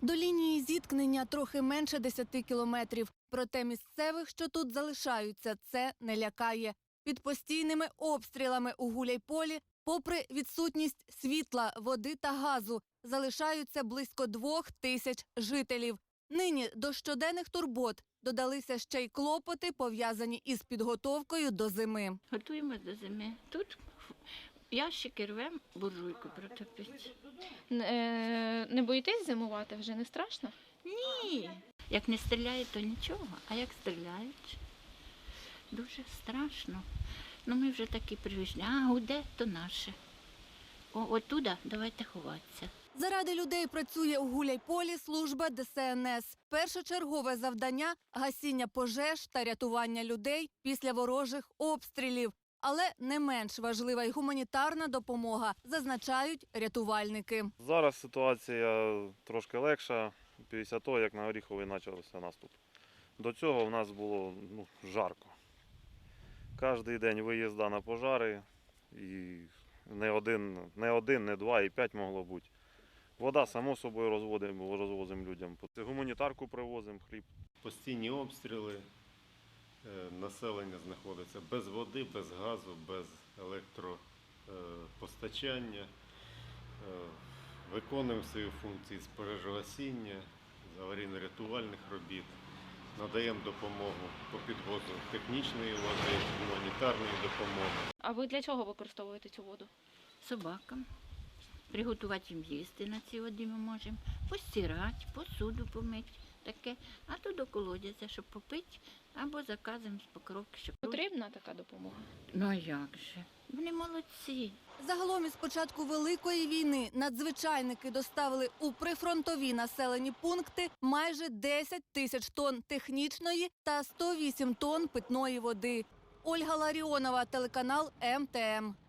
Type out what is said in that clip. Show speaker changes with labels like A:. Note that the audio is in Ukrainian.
A: До лінії зіткнення трохи менше 10 кілометрів. Проте місцевих, що тут залишаються, це не лякає. Під постійними обстрілами у Гуляйполі, попри відсутність світла, води та газу, залишаються близько 2000 жителів. Нині до щоденних турбот додалися ще й клопоти, пов'язані із підготовкою до зими.
B: Готуємось до зими. Тут ящики рвемо, буржуйку протопити.
C: Не боїтесь зимувати? Вже не страшно?
B: Ні. Як не стріляють, то нічого, а як стріляють, дуже страшно. Ну ми вже такі привичні, а гуде, то наше. Оттуда давайте ховатися.
A: Заради людей працює у Гуляйполі служба ДСНС. Першочергове завдання – гасіння пожеж та рятування людей після ворожих обстрілів. Але не менш важлива й гуманітарна допомога, зазначають рятувальники.
D: Зараз ситуація трошки легша, після того, як на Оріховий почався наступ. До цього в нас було жарко. Кожен день виїзда на пожари, і не один, не два, і 5 могло бути. Вода, само собою, розвозимо людям. Гуманітарку привозимо, хліб.
E: Постійні обстріли, населення знаходиться без води, без газу, без електропостачання. Виконуємо свої функції з пожежогасіння, з аварійно-рятувальних робіт. Надаємо допомогу по підвозу технічної води, гуманітарної допомоги.
C: А ви для чого використовуєте цю воду?
B: Собакам. Приготувати їм їсти на цій воді ми можемо, постирати, посуду помити, таке. А то до колодязя, щоб попити, або заказуємо з Покровки, щоб...
C: Потрібна така допомога?
B: Ну а як же? Вони молодці.
A: Загалом із початку Великої війни надзвичайники доставили у прифронтові населені пункти майже 10 тисяч тонн технічної та 108 тонн питної води. Ольга Ларіонова, телеканал МТМ.